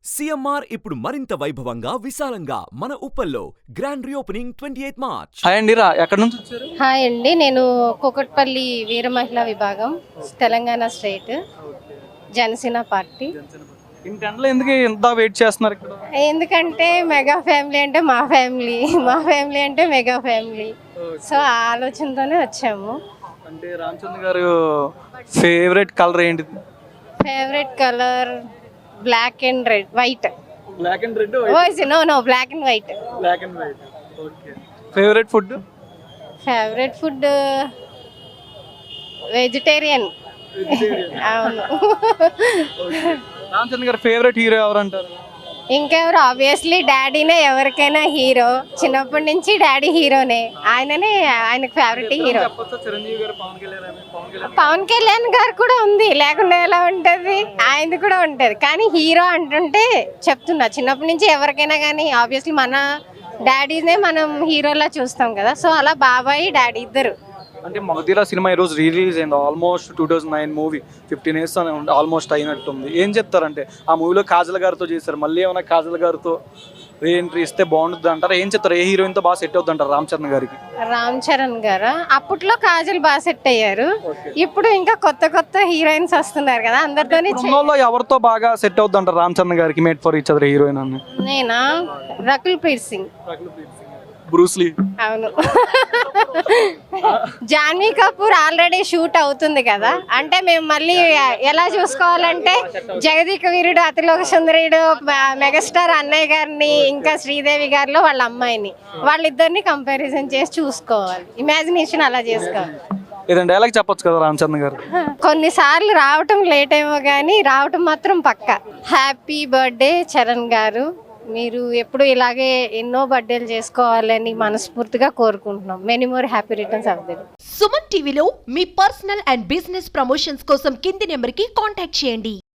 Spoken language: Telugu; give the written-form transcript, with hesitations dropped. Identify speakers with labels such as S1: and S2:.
S1: సిఎంఆర్ ఇప్పుడు మరింత వైభవంగా విశాలంగా మన ఉప్పల్లో గ్రాండ్ రీఓపెనింగ్ 28 మార్చ్.
S2: హాయ్ అండి, ఎక్కడి నుంచి వచ్చారు?
S3: హాయ్ అండి, నేను కూకట్పల్లి వీర మహిళా విభాగం, తెలంగాణ స్టేట్, జనసేన పార్టీ.
S2: ఇంటెంట్లో ఎందుకు ఇంత వెయిట్ చేస్తున్నారు ఇక్కడ?
S3: ఎందుకంటే మెగా ఫ్యామిలీ అంటే మా ఫ్యామిలీ, మా ఫ్యామిలీ అంటే మెగా ఫ్యామిలీ. సో ఆ ఆలోచనతోనే వచ్చాము.
S2: అంటే రామచంద్ర గారు ఫేవరెట్ కలర్ ఏంటి?
S3: Favourite colour black and red, white.
S2: Black and red?
S3: No black and white.
S2: Black and white. Okay. Favourite food?
S3: Favourite food vegetarian. అవును.
S2: రామచంద్ర గారు ఫేవరెట్ హీరో ఎవరు అంటారు?
S3: ఇంకెవరు, ఆబ్వియస్లీ డాడీనే ఎవరికైనా హీరో. చిన్నప్పటి నుంచి డాడీ హీరోనే, ఆయనకు ఫేవరెట్ హీరో.
S2: చిరంజీవి గారు,
S3: పవన్ కళ్యాణ్ గారు కూడా ఉంది, లేకుండా ఎలా ఉంటది, ఆయనది కూడా ఉంటది. కానీ హీరో అంటుంటే చెప్తున్నా, చిన్నప్పటి నుంచి ఎవరికైనా కానీ ఆబ్వియస్లీ మన డాడీనే మనం హీరోలా చూస్తాం కదా. సో అలా బాబాయ్ డాడీ ఇద్దరు.
S2: అంటే మగధీర సినిమా ఈరోజు రిలీజ్ అయింది. ఆల్మోస్ట్ 2009 మూవీ, 15 years ఆల్మోస్ట్ అయినట్టుంది. ఏం చెప్తారంటే ఆ మూవీలో కాజల్ గారితో చేశారు, మళ్ళీ ఏమైనా కాజల్ గారితో రీఎంట్రీ ఇస్తే బాగుంటుంది అంటారు. ఏం చెప్తారు, ఏ హీరోయిన్తో బాగా సెట్ అవుతుంది అంటారు రామచంద్ర గారికి?
S3: రామ్ చరణ్ గారు అప్పట్లో కాజల్ బాగా సెట్ అయ్యారు. ఇప్పుడు ఇంకా కొత్త కొత్త హీరోయిన్స్ వస్తున్నారు కదా, అందరితో
S2: ఎవరితో బాగా సెట్ అవుతుంది అంటారు రామచంద్ర గారికి? Made for each other heroine అని
S3: నేనా, రకుల్ ప్రీత్ సింగ్.
S2: బ్రూస్లీ.
S3: అవును. జాన్వీ కపూర్ ఆల్రెడీ షూట్ అవుతుంది కదా, అంటే మేము మళ్ళీ ఎలా చూసుకోవాలంటే జగదీక వీరుడు, అతిలోక సుందరుడు, మెగాస్టార్ అన్నయ్య గారిని, ఇంకా శ్రీదేవి గారిలో వాళ్ళ అమ్మాయిని, వాళ్ళిద్దరిని కంపారిజన్ చేసి చూసుకోవాలి. ఇమాజినేషన్ అలా చేసుకోవాలి.
S2: ఏదంటే డైలాగ్ చెప్పొచ్చు కదా రామచంద్ర గారు?
S3: కొన్నిసార్లు రావటం లేట్ ఏమో కానీ రావటం మాత్రం పక్కా. హ్యాపీ బర్త్డే చరణ్ గారు, మీరు ఎప్పుడు ఇలాగే ఎన్నో బర్త్డేలు చేసుకోవాలని మనస్ఫూర్తిగా కోరుకుంటున్నాం. Many more happy returns of the day.
S4: Suman టీవీలో మీ పర్సనల్ అండ్ బిజినెస్ ప్రమోషన్స్ కోసం కింది నెంబర్కి కాంటాక్ట్ చేయండి.